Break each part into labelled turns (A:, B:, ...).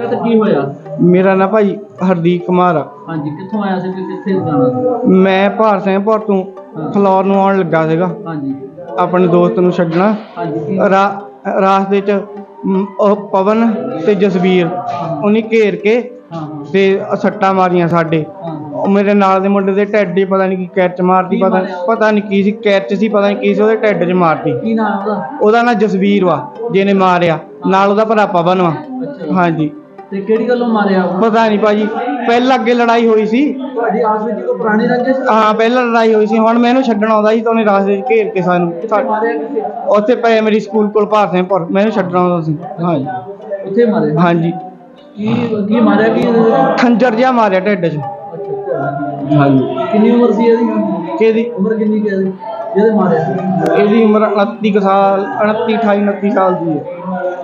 A: ਸੀਗਾ ਤੇ ਕੀ ਹੋਇਆ?
B: मेरा ना भाई हरदीप कुमार आ।
A: ਹਾਂਜੀ, ਕਿੱਥੋਂ ਆਇਆ ਸੀ ਤੇ ਕਿੱਥੇ ਜਾਣਾ ਸੀ?
B: मैं भार सिंहपुर तो फलौर ਨੂੰ ਆਉਣ ਲੱਗਾ ਸੀਗਾ
A: ਹਾਂਜੀ
B: ਆਪਣੇ ਦੋਸਤ ਨੂੰ ਛੱਡਣਾ।
A: ਹਾਂਜੀ
B: ਰਾਸਤੇ 'ਚ ਉਹ ਪਵਨ ਤੇ ਜਸਵੀਰ ਉਹਨੇ ਘੇਰ ਕੇ
A: ਹਾਂ
B: ਤੇ ਸੱਟਾਂ ਮਾਰੀਆਂ ਸਾਡੇ।
A: ਹਾਂ
B: ਉਹ ਮੇਰੇ ਨਾਲ ਦੇ ਮੁੰਡੇ ਦੇ ਢਿੱਡ 'ਚ ਪਤਾ ਨਹੀਂ ਕੀ ਕੈਚ ਮਾਰਤੀ, ਪਤਾ ਨਹੀਂ ਕੀ ਸੀ ਕੈਚ ਸੀ, ਪਤਾ ਨਹੀਂ ਕੀ ਸੀ, ਉਹਦੇ ਢਿੱਡ 'ਚ ਮਾਰਤੀ।
A: ਕੀ ਨਾਮ ਉਹਦਾ?
B: ਉਹਦਾ ਨਾਂ ਜਸਵੀਰ ਵਾ ਜਿਹਨੇ ਮਾਰਿਆ, ਨਾਲ ਉਹਦਾ ਭਰਾ ਪਵਨ ਵਾ। ਹਾਂਜੀ।
A: ਤੇ ਕਿਹੜੀ ਗੱਲੋਂ ਮਾਰਿਆ ਉਹ?
B: ਪਤਾ ਨਹੀਂ ਭਾਜੀ, ਪਹਿਲਾਂ ਅੱਗੇ ਲੜਾਈ ਹੋਈ ਸੀ
A: ਤੁਹਾਡੀ ਆਸ ਵਿੱਚ ਕੋਈ ਪੁਰਾਣੀ ਰੰਜਿਸ਼?
B: ਹਾਂ ਪਹਿਲਾਂ ਲੜਾਈ ਹੋਈ ਸੀ। ਹੁਣ ਮੈਂ ਇਹਨੂੰ ਛੱਡਣ ਆਉਂਦਾ ਸੀ ਤਾਂ ਉਹਨੇ ਰਾਸਤੇ 'ਚ ਘੇਰ ਕੇ ਸਾਨੂੰ
A: ਮਾਰਿਆ ਕਿੱਥੇ?
B: ਉੱਥੇ ਪ੍ਰਾਇਮਰੀ ਸਕੂਲ ਕੋਲ ਭਾਰ ਸਿੰਘਪੁਰ ਮੈਂ ਇਹਨੂੰ ਛੱਡਣ ਆਉਂਦਾ ਸੀ। ਹਾਂਜੀ
A: ਉੱਥੇ ਮਾਰਿਆ?
B: ਹਾਂਜੀ।
A: ਕੀ ਮਾਰਿਆ ਕੀ?
B: ਖੰਜਰ ਜਿਹਾ ਮਾਰਿਆ ਢਿੱਡ 'ਚ। ਹਾਂਜੀ।
A: ਕਿੰਨੀ ਉਮਰ ਸੀ ਇਹਦੀ?
B: ਕਿਹਦੀ
A: ਉਮਰ ਕਿੰਨੀ ਕੁ ਹੈ ਜਿਹਦੇ ਮਾਰਿਆ ਸੀ?
B: ਇਹਦੀ ਉਮਰ 29 ਸਾਲ, 29 28 29 ਸਾਲ ਦੀ ਹੈ।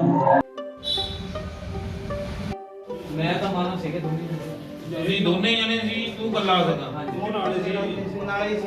A: ਮੈਂ ਤਾਂ ਮਾਨਾ ਸੀਗੇ
C: ਤੁਸੀਂ ਦੋਨੇ ਜਣੇ ਸੀ, ਤੂੰ ਇਕੱਲਾ ਸੀਗਾ? ਉਹ ਨਾਲ ਸੀ।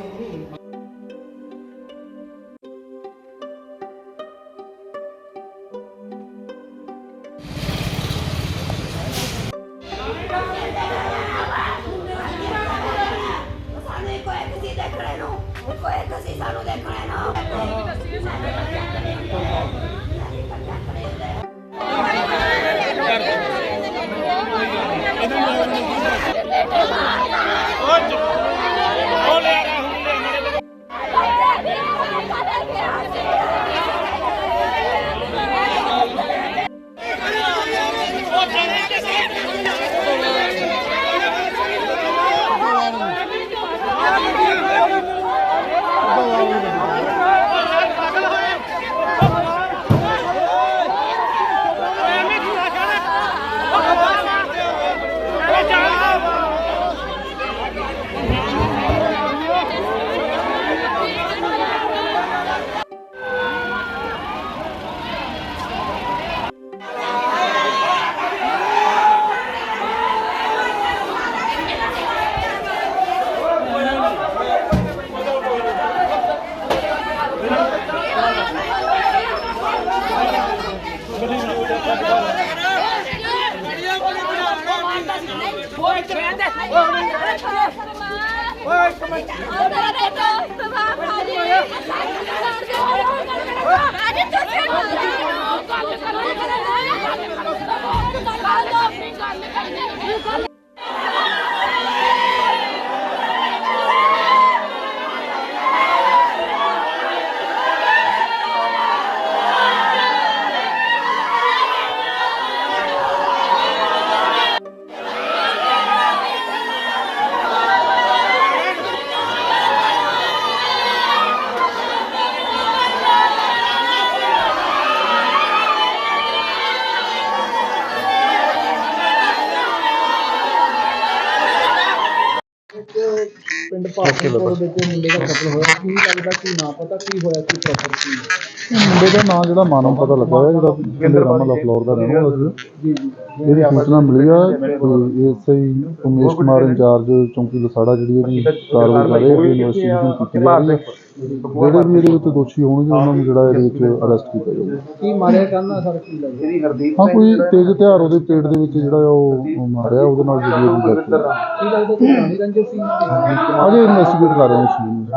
A: ਪਿੰਡ ਭਾਰਤਪੁਰ ਵਿੱਚ ਮੁੰਡੇ ਦਾ ਕਤਲ ਹੋਇਆ, ਕੀ ਲੱਗਦਾ ਕੀ ਨਾ ਪਤਾ ਕੀ ਹੋਇਆ, ਕੀ ਪ੍ਰੋਪਰ ਕੀ?
D: ਮੁੰਡੇ ਦਾ ਨਾਂ ਜਿਹੜਾ ਮਾਨਵ ਪਤਾ ਲੱਗਾ ਹੈ, ਜਿਹੜਾ ਪਿੰਡ ਰਾਮਲਾ ਫਲੋਰ ਦਾ ਰਹਿਣ ਵਾਲਾ ਸੀ।
A: ਜੀ
D: ਇਹਦੀ ਸੂਚਨਾ ਮਿਲੀ ਆ ਤੇ ਐਸਆਈ ਉਮੇਸ਼ ਕੁਮਾਰ ਇੰਚਾਰਜ ਚੌਂਕੀ ਲਸਾੜਾ ਜਿਹੜੀ ਇਹਦੀ ਕਾਰਵਾਈ ਕਰ ਰਹੇ ਆ, ਇਨਵੈਸਟੀਗੇਸ਼ਨ ਕੀਤੀ ਜਾ ਰਹੀ ਹੈ। ਜਿਹੜੇ ਵੀ ਇਹਦੇ ਵਿੱਚ ਦੋਸ਼ੀ ਹੋਣਗੇ ਉਹਨਾਂ ਨੂੰ ਜਿਹੜਾ ਇਹਦੇ ਵਿੱਚ ਅਰੈਸਟ ਕੀਤਾ ਜਾਊਗਾ।
A: ਕੀ ਮਾਰਿਆ ਕਰਨਾ ਸਰ, ਕੀ ਲੱਗਦਾ?
D: ਹਾਂ ਕੋਈ ਤੇਜ਼ ਹਥਿਆਰ ਉਹਦੇ ਪੇਟ ਦੇ ਵਿੱਚ ਜਿਹੜਾ ਉਹ ਮਾਰਿਆ, ਉਹਦੇ ਨਾਲ ਜਿਹੜੀ ਉਹਦੀ ਡੈਥ ਹੋਈ।
A: ਕੀ ਲੱਗਦਾ ਕੋਈ ਪੁਰਾਣੀ ਰੰਜਿਸ਼ ਸੀ?
D: ਅਜੇ ਇਨਵੈਸਟੀਗੇਟ ਕਰ ਰਹੇ ਹਾਂ ਇਸ ਚੀਜ਼ ਨੂੰ।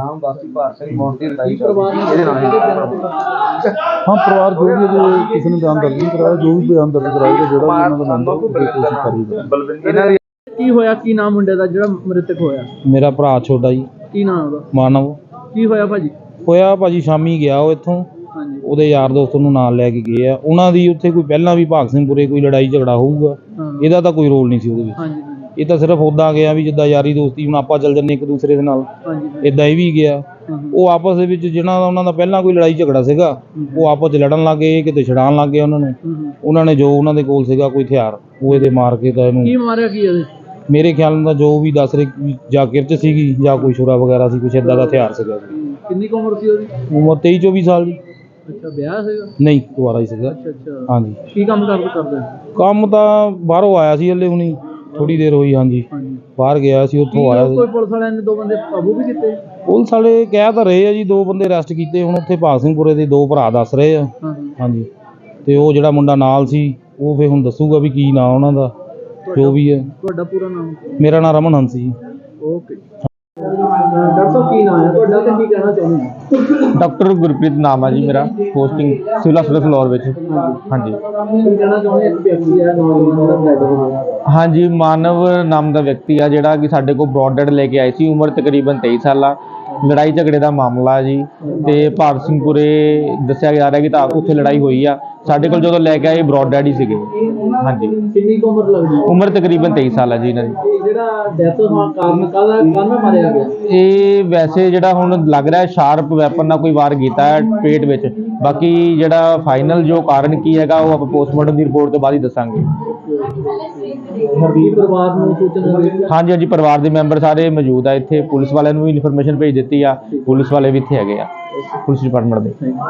A: ਪਰਿਵਾਰ ਨੇ
D: ਹਾਂ ਪਰਿਵਾਰ ਜੋ ਵੀ ਅਜੇ ਕਿਸੇ ਨੇ ਬਿਆਨ ਦਰਜ ਨਹੀਂ ਕਰਾਇਆ, ਜੋ ਵੀ ਬਿਆਨ ਦਰਜ ਕਰਾਏਗਾ ਜਿਹੜਾ ਵੀ ਉਹਨਾਂ ਦਾ ਮੈਂਬਰ ਉਹਦੀ ਕੋਸ਼ਿਸ਼ ਕਰੇਗਾ।
A: ਕੀ ਹੋਇਆ, ਕੀ ਨਾਮ ਮੁੰਡੇ ਦਾ ਜਿਹੜਾ ਮ੍ਰਿਤਕ ਹੋਇਆ?
E: ਮੇਰਾ ਭਰਾ ਛੋਟਾ ਜੀ,
A: ਕੀ ਨਾਮ ਉਹਦਾ?
E: ਮਾਨਵ।
A: ਕੀ ਹੋਇਆ ਭਾਜੀ?
E: ਹੋਇਆ ਭਾਜੀ ਸ਼ਾਮੀ ਗਿਆ ਉਹ ਇੱਥੋਂ,
A: ਹਾਂਜੀ
E: ਉਹਦੇ ਯਾਰ ਦੋਸਤ ਨੂੰ ਨਾਲ ਲੈ ਕੇ ਗਏ ਆ। ਉਹਨਾਂ ਦੀ ਉੱਥੇ ਕੋਈ ਪਹਿਲਾਂ ਵੀ ਭਾਗ ਸਿੰਘਪੁਰੇ ਕੋਈ ਲੜਾਈ ਝਗੜਾ ਹੋਊਗਾ, ਇਹਦਾ ਤਾਂ ਕੋਈ ਰੋਲ ਨਹੀਂ ਸੀ ਉਹਦੇ ਵਿੱਚ।
A: ਹਾਂਜੀ
E: ਇਹ ਤਾਂ ਸਿਰਫ ਉੱਦਾਂ ਗਿਆ ਵੀ ਜਿੱਦਾਂ ਯਾਰੀ ਦੋਸਤੀ ਹੁਣ ਆਪਾਂ ਚੱਲ ਜੰਨੇ ਇੱਕ ਦੂਸਰੇ ਦੇ ਨਾਲ,
A: ਹਾਂਜੀ
E: ਇੱਦਾਂ ਇਹ ਵੀ ਗਿਆ। ਉਹ ਆਪਸ ਦੇ ਵਿੱਚ ਜਿਹਨਾਂ ਦਾ ਉਹਨਾਂ ਦਾ ਪਹਿਲਾਂ ਕੋਈ ਲੜਾਈ ਝਗੜਾ ਸੀਗਾ, ਉਹ ਆਪਸ 'ਚ ਲੜਨ ਲੱਗ ਗਏ, ਕਿਤੇ ਛਡਾਉਣ ਲੱਗ ਗਏ ਉਹਨਾਂ ਨੂੰ। ਉਹਨਾਂ ਨੇ ਜੋ ਉਹਨਾਂ ਦੇ ਕੋਲ ਸੀਗਾ ਕੋਈ ਹਥਿਆਰ, ਉਹ ਇਹਦੇ ਮਾਰ ਕੇ ਤਾਂ ਇਹਨੂੰ।
A: ਕੀ ਮਾਰਿਆ ਕੀ ਇਹਦੇ?
E: ਮੇਰੇ ਖਿਆਲ ਨਾਲ ਜੋ ਵੀ ਦੱਸ ਰਹੇ ਜਾਂ ਕਿਰਚ ਸੀਗੀ ਜਾਂ ਕੋਈ ਛੁਰਾ ਵਗੈਰਾ ਸੀ, ਕੁਛ ਇੱਦਾਂ ਦਾ ਹਥਿਆਰ ਸੀਗਾ।
A: ਕਿੰਨੀ ਕੁ ਉਮਰ ਸੀ ਉਹਦੀ?
E: ਉਮਰ 23 24 ਸਾਲ ਦੀ।
A: ਅੱਛਾ, ਵਿਆਹ ਸੀਗਾ?
E: ਨਹੀਂ, ਦੁਬਾਰਾ ਹੀ ਸੀਗਾ।
A: ਅੱਛਾ
E: ਹਾਂਜੀ।
A: ਕੀ ਕੰਮ ਕਰਦੇ?
E: ਕੰਮ ਤਾਂ ਬਾਹਰੋਂ ਆਇਆ ਸੀ, ਹਲੇ ਹੁਣੀ ਥੋੜੀ ਦੇਰ ਹੋਈ। ਹਾਂਜੀ, ਬਾਹਰ ਗਿਆ ਸੀ, ਉੱਥੋਂ ਆਇਆ ਸੀ।
A: ਕੋਈ ਪੁਲਿਸ ਵਾਲਿਆਂ ਨੇ 2 ਬੰਦੇ ਕਾਬੂ ਵੀ ਕੀਤੇ?
E: ਪੁਲਿਸ ਵਾਲੇ ਕਹਿ ਤਾਂ ਰਹੇ ਆ ਜੀ 2 ਬੰਦੇ ਅਰੈਸਟ ਕੀਤੇ। ਹੁਣ ਉੱਥੇ ਭਾਗ ਸਿੰਘਪੁਰੇ ਦੇ 2 ਭਰਾ ਦੱਸ ਰਹੇ ਆ। ਹਾਂਜੀ, ਤੇ ਉਹ ਜਿਹੜਾ ਮੁੰਡਾ ਨਾਲ ਸੀ ਉਹ ਫਿਰ ਹੁਣ ਦੱਸੂਗਾ ਵੀ ਕੀ ਨਾਂ ਉਹਨਾਂ ਦਾ, ਜੋ ਵੀ ਹੈ।
A: ਤੁਹਾਡਾ ਪੂਰਾ ਨਾਮ?
E: ਮੇਰਾ ਨਾਮ ਰਮਨ ਹੰਸ ਜੀ।
A: ਓਕੇ। ਡਾਕਟਰ ਸਾਹਿਬ ਕੀ ਨਾਮ ਹੈ ਤੁਹਾਡਾ ਤੇ ਕੀ ਕਹਿਣਾ ਚਾਹੁੰਦੇ ਹੋ?
E: ਡਾਕਟਰ ਗੁਰਪ੍ਰੀਤ ਨਾਮ ਹੈ ਜੀ ਮੇਰਾ, ਪੋਸਟਿੰਗ ਸਿਵਲ ਹਸਪਤਾਲ ਫਲੋਰ ਵਿੱਚ। ਹਾਂਜੀ।
A: ਕੀ ਕਹਿਣਾ ਚਾਹੁੰਦੇ? ਇੱਕ ਵਿਅਕਤੀ ਹੈ ਨੌਜਵਾਨ ਦਾ ਡੈਡ ਹੋ ਗਿਆ।
E: ਹਾਂਜੀ, ਮਾਨਵ ਨਾਮ ਦਾ ਵਿਅਕਤੀ ਆ ਜਿਹੜਾ ਕਿ ਸਾਡੇ ਕੋਲ ਬ੍ਰੌਡ ਡੈਡ ਲੈ ਕੇ ਆਏ ਸੀ। ਉਮਰ ਤਕਰੀਬਨ 23 ਸਾਲ ਆ। ਲੜਾਈ ਝਗੜੇ ਦਾ ਮਾਮਲਾ ਜੀ, ਤੇ ਭਾਰਤ ਸਿੰਘਪੁਰੇ ਦੱਸਿਆ ਜਾ ਰਿਹਾ ਕਿ ਤਾਂ ਉੱਥੇ ਲੜਾਈ ਹੋਈ ਆ। ਸਾਡੇ ਕੋਲ ਜਦੋਂ ਲੈ ਕੇ ਆਏ ਬ੍ਰੌਡ ਡੈਡ ਹੀ ਸੀਗੇ। ਹਾਂਜੀ।
A: ਕਿੰਨੀ ਕੁ ਉਮਰ ਲੱਗਦੀ ਹੈ?
E: ਉਮਰ ਤਕਰੀਬਨ 23 ਸਾਲ ਆ ਜੀ ਇਹਨਾਂ ਦੀ।
A: ਤੇ ਜਿਹੜਾ ਡੈਥ ਹੋਣ ਕਾਰਨ ਕਾਹਦਾ ਮਾਰਿਆ ਗਿਆ?
E: ਇਹ ਵੈਸੇ ਜਿਹੜਾ ਹੁਣ ਲੱਗ ਰਿਹਾ ਸ਼ਾਰਪ ਵੈਪਨ ਨਾਲ ਕੋਈ ਵਾਰ ਕੀਤਾ ਹੈ ਪੇਟ ਵਿੱਚ। ਬਾਕੀ ਜਿਹੜਾ ਫਾਈਨਲ ਜੋ ਕਾਰਨ ਕੀ ਹੈਗਾ ਉਹ ਆਪਾਂ ਪੋਸਟਮਾਰਟਮ ਦੀ ਰਿਪੋਰਟ ਤੋਂ ਬਾਅਦ ਹੀ ਦੱਸਾਂਗੇ।
A: ਕੀ ਪਰਿਵਾਰ ਨੂੰ ਸੂਚਨਾ ਦਿੱਤੀ?
E: ਹਾਂਜੀ ਹਾਂਜੀ, ਪਰਿਵਾਰ ਦੇ ਮੈਂਬਰ ਸਾਰੇ ਮੌਜੂਦ ਆ ਇੱਥੇ। ਪੁਲਿਸ ਵਾਲਿਆਂ ਨੂੰ ਵੀ ਇਨਫੋਰਮੇਸ਼ਨ ਭੇਜ ਦਿੱਤੀ ਆ, ਪੁਲਿਸ ਵਾਲੇ ਵੀ ਇੱਥੇ ਹੈਗੇ ਆ, ਪੁਲਿਸ ਡਿਪਾਰਟਮੈਂਟ ਦੇ।